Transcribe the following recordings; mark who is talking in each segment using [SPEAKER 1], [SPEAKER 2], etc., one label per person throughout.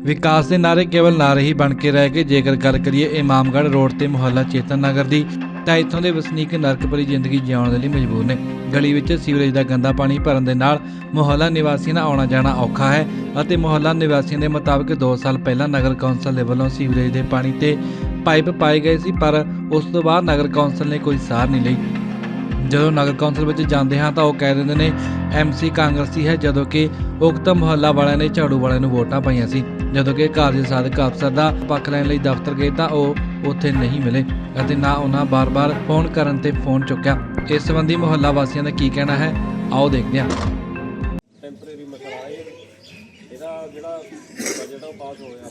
[SPEAKER 1] विकास के नारे केवल नारे ही बन के रह गए। जेकर गल करिए इमामगढ़ रोड ते मुहल्ला चेतन नगर दी ਤਾਂ ਇੱਥੋਂ ਦੇ ਵਸਨੀਕ ਨਰਕ ਭਰੀ ਜ਼ਿੰਦਗੀ ਜਿਉਣ ਦੇ ਲਈ ਮਜਬੂਰ ਨੇ। ਗਲੀ ਵਿੱਚ ਸੀਵਰੇਜ ਦਾ ਗੰਦਾ ਪਾਣੀ ਭਰਨ ਦੇ ਨਾਲ ਮੁਹੱਲਾ ਨਿਵਾਸੀਆਂ ਦਾ ਆਉਣਾ ਜਾਣਾ ਔਖਾ ਹੈ ਅਤੇ ਮੁਹੱਲਾ ਨਿਵਾਸੀਆਂ ਦੇ ਮੁਤਾਬਕ 2 ਸਾਲ ਪਹਿਲਾਂ ਨਗਰ ਕੌਂਸਲ ਦੇ ਵੱਲੋਂ ਸੀਵਰੇਜ ਦੇ ਪਾਣੀ ਤੇ ਪਾਈਪ ਪਾਏ ਗਏ ਸੀ, ਪਰ ਉਸ ਤੋਂ ਬਾਅਦ ਨਗਰ ਕੌਂਸਲ ਨੇ ਕੋਈ ਸਾਰ ਨਹੀਂ ਲਈ। ਜਦੋਂ ਨਗਰ ਕੌਂਸਲ ਵਿੱਚ ਜਾਂਦੇ ਹਾਂ ਤਾਂ ਉਹ ਕਹਿ ਦਿੰਦੇ ਨੇ MC ਕਾਂਗਰਸੀ ਹੈ, ਜਦੋਂ ਕਿ ਉਕਤ ਮੁਹੱਲਾ ਵਾਲਿਆਂ ਨੇ ਝਾੜੂ ਵਾਲਿਆਂ ਨੂੰ ਵੋਟਾਂ ਪਾਈਆਂ ਸੀ। ਜਦੋਂ ਕਿ ਕਾਰਜ ਸਾਧਕ ਅਫਸਰ ਦਾ ਪੱਖ ਲੈਣ ਲਈ ਦਫ਼ਤਰ ਗਏ ਤਾਂ ਉਹ ਉੱਥੇ ਨਹੀਂ ਮਿਲੇ ਅਤੇ ਨਾ ਉਹਨਾਂ ਬਾਰ-ਬਾਰ ਫੋਨ ਕਰਨ ਤੇ ਫੋਨ ਚੁੱਕਿਆ। ਇਸ ਸੰਬੰਧੀ ਮੁਹੱਲਾ ਵਾਸੀਆਂ ਦਾ ਕੀ ਕਹਿਣਾ ਹੈ, ਆਓ ਦੇਖਦੇ ਹਾਂ।
[SPEAKER 2] ਟੈਂਪਰੇਰੀ ਮਸਲਾ ਹੈ ਇਹਦਾ, ਜਿਹੜਾ ਬਜਟ ਉਹ ਪਾਸ ਹੋ ਗਿਆ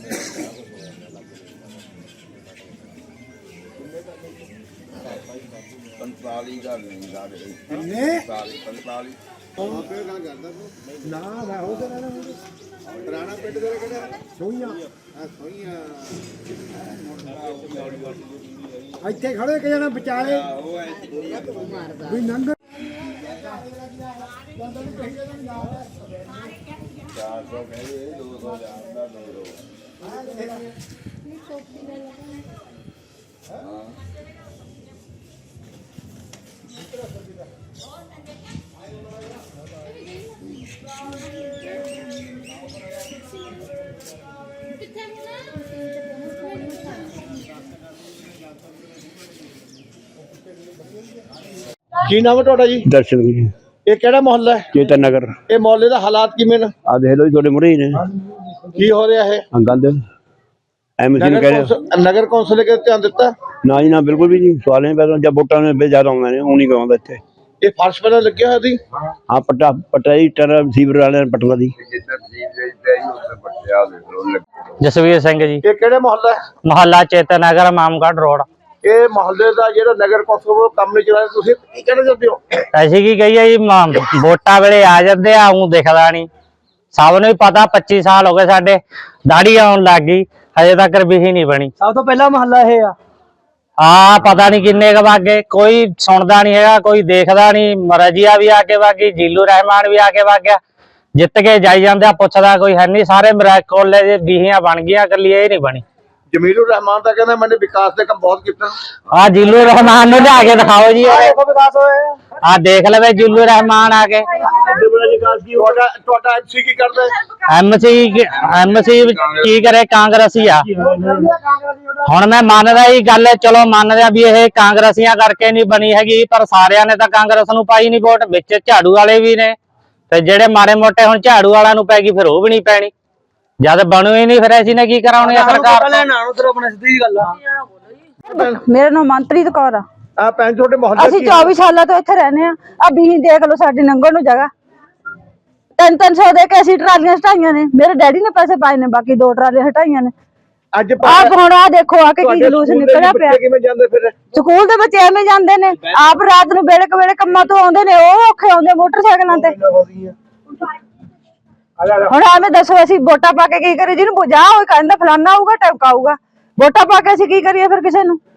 [SPEAKER 3] ਪੁਰਾਣਾ ਪਿੰਡ ਦੇ ਕਿਹੜਾ ਸੋਈਆਂ ਇੱਥੇ ਖੜੇ ਕਿ ਜਣਾ ਵਿਚਾਲੇ ਵੀ ਨੰਗ 400 ਕਹਿੰਦੇ 200 ਜਾਂਦਾ 200 ਕੀ ਨਾਮ ਹੈ ਤੁਹਾਡਾ ਜੀ?
[SPEAKER 4] दर्शन जी
[SPEAKER 3] ਇਹ ਕਿਹੜਾ ਮੁਹੱਲਾ ਹੈ?
[SPEAKER 4] चेतन नगर
[SPEAKER 3] ਇਹ ਮੁਹੱਲੇ ਦਾ ਹਾਲਾਤ ਕਿਵੇਂ ਨੇ?
[SPEAKER 4] आ देख लो जी थोड़े मुरे ही ने
[SPEAKER 3] ਕੀ ਹੋ ਰਿਹਾ ਹੈ?
[SPEAKER 4] गंद एमसी ने कह रहे
[SPEAKER 3] ਨਗਰ ਕੌਂਸਲ ਨੇ ਕਿਤੇ ਧਿਆਨ ਦਿੱਤਾ?
[SPEAKER 4] ना जी ना बिल्कुल भी जी सवाल नहीं पैदा जब वोटा में ज्यादा आਉਂਦੇ ਨੇ ਉਹ ਨਹੀਂ ਕਰਵਾਉਂਦਾ ਇੱਥੇ।
[SPEAKER 3] ਇਹ ਫਰਸ਼ ਪਹਿਲਾਂ ਲੱਗਿਆ ਹੋਇਆ ਸੀ?
[SPEAKER 4] ਹਾਂ ਪਟਾਈ ਟਰ ਸੀਵਰ ਵਾਲਿਆਂ ਨੇ ਪਟਵਾ ਦੀ।
[SPEAKER 5] ਜਸਵੀਰ ਸਿੰਘ ਜੀ,
[SPEAKER 3] ਇਹ ਕਿਹੜੇ ਮੁਹੱਲਾ ਹੈ?
[SPEAKER 5] ਮੁਹੱਲਾ ਚੇਤਨ ਨਗਰ ਇਮਾਮਗੜ੍ਹ ਰੋਡ।
[SPEAKER 3] ਇਹ ਮੁਹੱਲੇ ਦਾ ਜਿਹੜਾ ਨਗਰ ਕੌਂਸਲ ਵੱਲੋਂ ਕੰਮ ਨਹੀਂ ਚਲਾਇਆ, ਤੁਸੀਂ ਕੀ ਕਹਿਣਾ ਚਾਹੁੰਦੇ ਹੋ?
[SPEAKER 5] ਐਸੀ ਕੀ ਕਹੀਏ ਜੀ, ਵੋਟਾਂ ਵੇਲੇ ਆ ਜਾਂਦੇ ਆ, ਊਂ ਦਿਖਦਾ ਨਹੀਂ। ਸਭ ਨੂੰ ਹੀ ਪਤਾ 25 ਸਾਲ ਹੋ ਗਏ ਸਾਡੇ, ਦਾੜੀ ਆਉਣ ਲੱਗ ਗਈ, ਹਜੇ ਤੱਕ ਬਿਹੀ ਨਹੀਂ ਬਣੀ।
[SPEAKER 6] ਸਭ ਤੋਂ ਪਹਿਲਾ ਮੁਹੱਲਾ ਇਹ ਆ।
[SPEAKER 5] ਹਾਂ, ਪਤਾ ਨਹੀਂ ਕਿੰਨੇ ਕੁ ਵਾਗੇ, ਕੋਈ ਸੁਣਦਾ ਨਹੀਂ ਹੈਗਾ, ਕੋਈ ਦੇਖਦਾ ਨਹੀਂ। ਰਜੀਆ ਵੀ ਆ ਕੇ ਵਾਗੀ, ਜੀਲੂ ਰਹਿਮਾਨ ਵੀ ਆ ਕੇ ਵਾਗਿਆ, ਜਿੱਤ ਕੇ ਜਾਈ ਜਾਂਦੇ ਆ, ਪੁੱਛਦਾ ਕੋਈ ਹੈ ਨਹੀਂ। ਸਾਰੇ ਕੋਲੇ ਦੇ ਬੀਹੀਆਂ ਬਣ ਗਈਆਂ, ਇਕੱਲੀ ਇਹ ਨਹੀਂ ਬਣੀ।
[SPEAKER 3] ਜਮੀਲੁਰ ਰਹਿਮਾਨ ਤਾਂ ਕਹਿੰਦਾ ਮੈਨੇ ਵਿਕਾਸ ਦੇ ਕੰਮ ਬਹੁਤ ਕੀਤਾ।
[SPEAKER 5] ਆ ਜੀਲੂ ਰਹਿਮਾਨ ਨੂੰ ਲਿਆ ਕੇ ਦਿਖਾਓ ਜੀ,
[SPEAKER 6] ਵਿਕਾਸ ਹੋਇਆ
[SPEAKER 5] ਆ ਦੇਖ ਲਵੇ ਜੀਲੂ ਰਹਿਮਾਨ ਆ ਕੇ।
[SPEAKER 3] ਤੁਹਾਡਾ MC ਕੀ ਕਰਦਾ ਹੈ?
[SPEAKER 5] ਐਮਸੀ ਕੀ ਕਰੇ, ਕਾਂਗਰਸੀ ਆ। ਹੁਣ ਮੈਂ ਮੰਨਦਾ ਇਹ ਗੱਲ, ਚਲੋ ਮੰਨਦਾ ਵੀ ਇਹ ਕਾਂਗਰਸੀਆਂ ਕਰਕੇ ਨਹੀਂ ਬਣੀ ਹੈਗੀ, ਪਰ ਸਾਰਿਆਂ ਨੇ ਤਾਂ ਕਾਂਗਰਸ ਨੂੰ ਪਾਈ ਨਹੀਂ ਵੋਟ, ਵਿੱਚ ਝਾੜੂ ਵਾਲੇ ਵੀ ਨੇ, ਤੇ ਜਿਹੜੇ ਮਾੜੇ ਮੋਟੇ ਹੁਣ ਝਾੜੂ ਵਾਲਿਆਂ ਨੂੰ ਪੈ ਗਈ, ਫਿਰ ਉਹ ਵੀ ਨਹੀਂ ਪੈਣੀ। ਜਦ ਬਣੂ ਹੀ ਨਹੀਂ, ਫਿਰ ਅਸੀਂ ਨੇ ਕੀ ਕਰਾਉਣੀ ਆ ਸਰਕਾਰ?
[SPEAKER 7] ਮੇਰਾ ਨਾਮ ਮਨਪ੍ਰੀਤ ਕੌਰ ਆ।
[SPEAKER 3] ਆ ਭੈਣ ਤੁਹਾਡੇ ਮੁਹੱਲੇ
[SPEAKER 7] ਅਸੀਂ 24 ਸਾਲਾਂ ਤੋਂ ਇੱਥੇ ਰਹਿੰਦੇ ਆ। ਆ ਬੀਹੀ ਦੇਖ ਲਓ, ਸਾਡੀ ਲੰਘਣ ਨੂੰ ਜਗ੍ਹਾ 300 ਦੇ ਕੇ ਅਸੀਂ ਟਰਾਲੀਆਂ ਹਟਾਈਆਂ ਨੇ। ਮੇਰੇ ਡੈਡੀ ਨੇ ਪੈਸੇ ਪਾਏ ਨੇ, ਬਾਕੀ 2 ਟਰਾਲੀਆਂ ਹਟਾਈਆਂ ਨੇ।
[SPEAKER 3] ਅੱਜ
[SPEAKER 7] ਆਪ ਹੁਣ ਆ ਦੇਖੋ ਆ ਕੇ ਕੀ ਜਲੂਸ ਨਿਕਲਿਆ ਪਿਆ।
[SPEAKER 3] ਕਿਵੇਂ ਜਾਂਦੇ ਫਿਰ?
[SPEAKER 7] ਸਕੂਲ ਦੇ ਬੱਚੇ ਐਵੇਂ ਜਾਂਦੇ ਨੇ, ਆਪ ਰਾਤ ਨੂੰ ਵੇਲੇ ਕੰਮਾਂ ਤੋਂ ਆਉਂਦੇ ਨੇ, ਉਹ ਔਖੇ ਆਉਂਦੇ ਮੋਟਰਸਾਈਕਲਾਂ ਤੇ। ਹੁਣ ਐਵੇਂ ਦੱਸੋ, ਅਸੀਂ ਵੋਟਾਂ ਪਾ ਕੇ ਕੀ ਕਰੀਏ? ਜਿਹਨੂੰ ਜਾ ਹੋਏ ਕਹਿੰਦਾ ਫਲਾਨਾ ਆਊਗਾ, ਟਮਕਾ ਆਊਗਾ। ਵੋਟਾਂ ਪਾ ਕੇ ਅਸੀਂ ਕੀ ਕਰੀਏ ਫਿਰ ਕਿਸੇ ਨੂੰ?